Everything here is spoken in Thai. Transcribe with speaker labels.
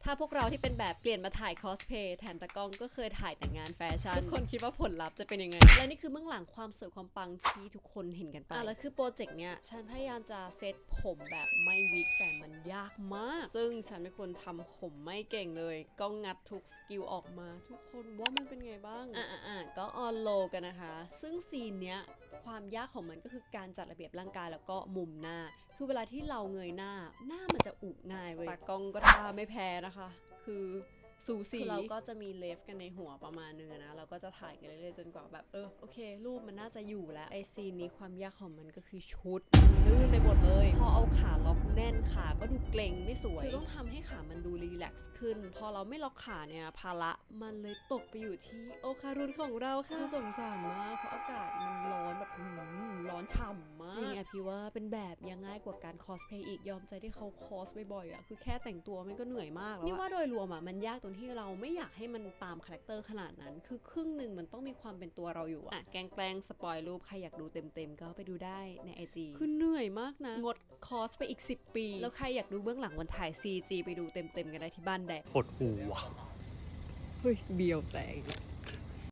Speaker 1: ถ้าพวกเราที่เป็นแบบเปลี่ยนมาถ่ายคอสเพย์แทนตากล้องก็เคยถ่ายแต่งงานแฟชั่นทุกคนคิดว่าผลลัพธ์จะเป็นยังไงและนี่คือเบื้องหลังความสวยความปังที่ทุกคนเห็นกันไปแล้วคือโปรเจกต์เนี้ยฉันพยายามจะเซตผมแบบไม่วิกแต่มันยากมากซึ่งฉันเป็นคนทำผมไม่เก่งเลยก็งัดทุกสกิลออกมาทุกคนว่ามันเป็นไงบ้างก็ออนโลกันนะคะซึ่งซีนเนี้ยความยากของมันก็คือการจัดระเบียบร่างกายแล้วก็มุมหน้าคือเวลาที่เราเงยหน้ามันจะอุง่ายเว้ยตากล้องก็ท่าไม่แพ้นะคะคือสูสีเราก็จะมีเลฟกันในหัวประมาณนึงนะเราก็จะถ่ายกันเรื่อยๆจนกว่าแบบโอเครูปมันน่าจะอยู่แล้วไอซีนนี้ความยากของมันก็คือชุดลื่นไปหมดเลยพอเอาขาล็อกแน่นขาก็ดูเกร็งไม่สวยคือต้องทำให้ขามันดูรีแลกซ์ขึ้นพอเราไม่ล็อกขาเนี่ยภาระมันเลยตกไปอยู่ที่โอคารุนของเราค่ะสงสารมากเพราะอากาศมันร้อนแบบร้อนฉ่ำมากจริงพี่ว่าเป็นแบบยังง่ายกว่าการคอสเพย์อีกยอมใจที่เขาคอสบ่อยๆคือแค่แต่งตัวมันก็เหนื่อยมากแล้วนี่ว่าโดยรวมมันยากตรงที่เราไม่อยากให้มันตามคาแรคเตอร์ขนาดนั้นคือครึ่งหนึ่งมันต้องมีความเป็นตัวเราอยู่แกล้งสปอยรูปใครอยากดูเต็มๆก็ไปดูได้ใน IG คือเหนื่อยมากนะงดคอสไปอีก10 ปีแล้วใครอยากดูเบื้องหลังวันถ่าย CG ไปดูเต็มๆกันได้ที่บ้านแดด
Speaker 2: ปวดหัว
Speaker 1: เฮ้ยเบียวแตก